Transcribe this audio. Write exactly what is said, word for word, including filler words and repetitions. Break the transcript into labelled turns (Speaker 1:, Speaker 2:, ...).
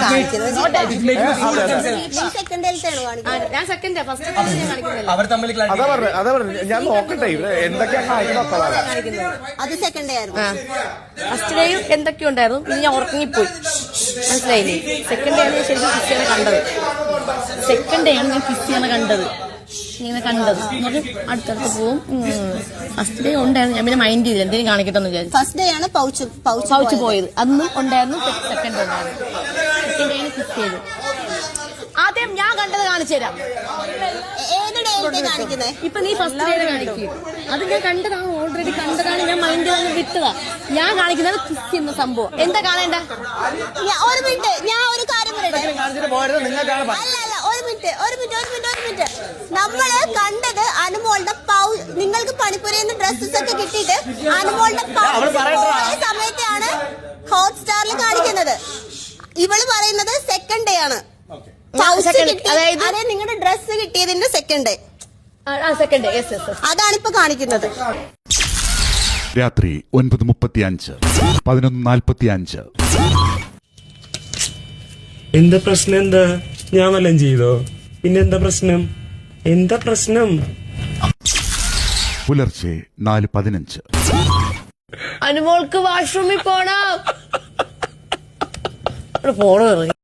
Speaker 1: ഞാൻ നോക്കട്ടെ എന്തൊക്കെയാണ്
Speaker 2: അത് സെക്കൻഡ് ഡേ ആയിരുന്നു.
Speaker 3: ഫസ്റ്റ് ഡേയും എന്തൊക്കെയോ ഉണ്ടായിരുന്നു. ഇനി ഞാൻ ഉറങ്ങിപ്പോയി, മനസ്സിലായില്ലേ? സെക്കൻഡ് ഡേ ആണ് ഞാൻ ശരിക്കും ക്രിസ്ത്യാനെ കണ്ടത്. സെക്കൻഡ് ഡേ ആണ് ഞാൻ ക്രിസ്ത്യാനെ കണ്ടത് ഇങ്ങനെ കണ്ടത് എന്നിട്ട് അടുത്തടുത്ത് പോവും. ഫസ്റ്റ് ഡേ ഉണ്ടായിരുന്നു, ഞാൻ പിന്നെ മൈൻഡ് ചെയ്തില്ല, എന്തെങ്കിലും കാണിക്കട്ടെ എന്ന് വിചാരിച്ചു.
Speaker 2: ഫസ്റ്റ് ഡേ ആണ് പൗച്ച്
Speaker 3: പൗച്ച് പോയത്, അന്നും ഉണ്ടായിരുന്നു. സെക്കൻഡ് ഡേ ഉണ്ടായിരുന്നു. സെക്കൻഡ് ഡേ ആണ് കിസ് ചെയ്തത്. ആദ്യം ഞാൻ കണ്ടത് കാണിച്ചു തരാം. ഇപ്പൊ നീ ഫസ്റ്റ് ഡേ കാണിക്കും. അത് ഞാൻ കണ്ടതാണ്, ഓൾറെഡി കണ്ടതാണ്. ഞാൻ മൈൻഡ് വന്ന് വിട്ടതാ. ഞാൻ കാണിക്കുന്നത് കിസ് ചെയ്യുന്ന സംഭവം. എന്താ കാണേണ്ട?
Speaker 2: ഒരു മിനിറ്റ്, ഞാൻ ഒരു കാര്യം പറയട്ടെ. അല്ല അല്ല ഒരു മിനിറ്റ് ഒരു മിനിറ്റ് ഒരു മിനിറ്റ് ഒരു മിനിറ്റ് നമ്മള് കണ്ടത് അനുമോളുടെ പൗ നിങ്ങൾക്ക് പണിപ്പുരയിൽ ഡ്രസ്സസ് ഒക്കെ കിട്ടിയിട്ട് അനുമോളുടെ സമയത്താണ് ഹോട്ട്സ്റ്റാറിൽ കാണിക്കുന്നത്. ഇവള് പറയുന്നത് സെക്കൻഡ് ഡേ ആണ്. അതായത് നിങ്ങളുടെ ഡ്രസ്സ് കിട്ടിയതിന്റെ സെക്കൻഡ് ഡേ.
Speaker 3: സെക്കൻഡ് ഡേ
Speaker 2: അതാണ് ഇപ്പൊ കാണിക്കുന്നത്.
Speaker 4: രാത്രി ഒൻപത് മുപ്പത്തി അഞ്ച് പതിനൊന്ന് നാൽപ്പത്തി അഞ്ച്.
Speaker 5: എന്താ പ്രശ്നം? എന്താ ഞാൻ വല്ലതും ചെയ്തോ? പിന്നെന്താ പ്രശ്നം? എന്താ പ്രശ്നം?
Speaker 4: പുലർച്ചെ നാല് പതിനഞ്ച്.
Speaker 3: അനുമോൾക്ക് വാഷ്റൂമിൽ പോണം. പോണോ?